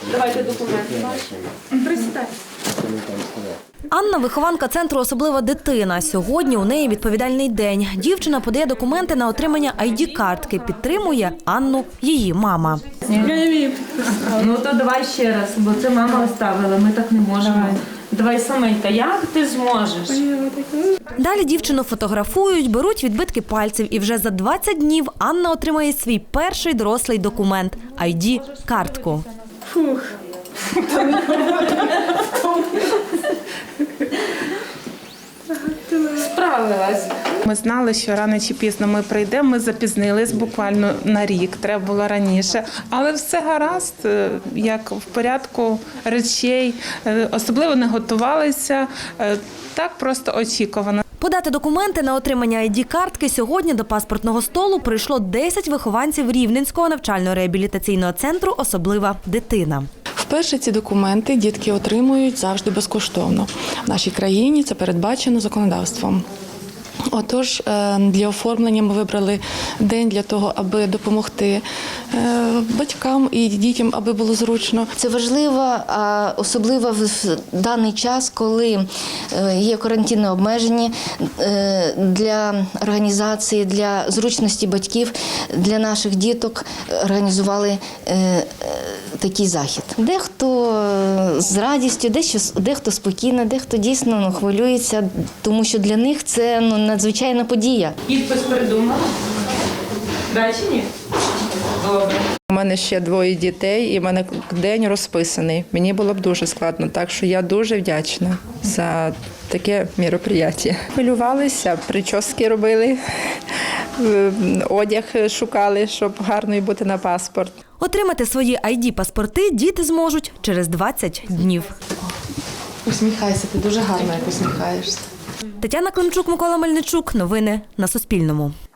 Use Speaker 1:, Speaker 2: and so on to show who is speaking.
Speaker 1: Давайте документи ваші. Присідайте.
Speaker 2: Анна – вихованка центру «Особлива дитина». Сьогодні у неї відповідальний день. Дівчина подає документи на отримання ID-картки. Підтримує Анну її мама.
Speaker 1: Ну то давай ще раз, бо це мама оставила, ми так не можемо. Давай саменька, як ти зможеш?
Speaker 2: Далі дівчину фотографують, беруть відбитки пальців. І вже за 20 днів Анна отримає свій перший дорослий документ – ID-картку.
Speaker 1: Фух. Справилась.
Speaker 3: Ми знали, що рано чи пізно ми прийдемо, ми запізнились буквально на рік, треба було раніше. Але все гаразд, як в порядку речей, особливо не готувалися, так просто очікувано.
Speaker 2: Подати документи на отримання ID-картки сьогодні до паспортного столу прийшло 10 вихованців Рівненського навчально-реабілітаційного центру «Особлива дитина».
Speaker 4: Вперше ці документи дітки отримують завжди безкоштовно. В нашій країні це передбачено законодавством. Отож, для оформлення ми вибрали день для того, аби допомогти батькам і дітям, аби було зручно.
Speaker 5: Це важливо, особливо в даний час, коли є карантинне обмеження для організації, для зручності батьків, для наших діток організували такий захід. Дехто з радістю, дехто спокійно, дехто дійсно хвилюється, тому що для них це надзвичайна подія.
Speaker 1: Підпис придумала? Да чи ні? Добре.
Speaker 6: У мене ще 2 дітей, і в мене день розписаний. Мені було б дуже складно, так що я дуже вдячна за таке мероприятие. Хвилювалися, прически робили, одяг шукали, щоб гарною бути на паспорт.
Speaker 2: Отримати свої ID-паспорти діти зможуть через 20 днів.
Speaker 4: Усміхайся, ти дуже гарно як усміхаєшся.
Speaker 2: Тетяна Климчук, Микола Мельничук. Новини на Суспільному.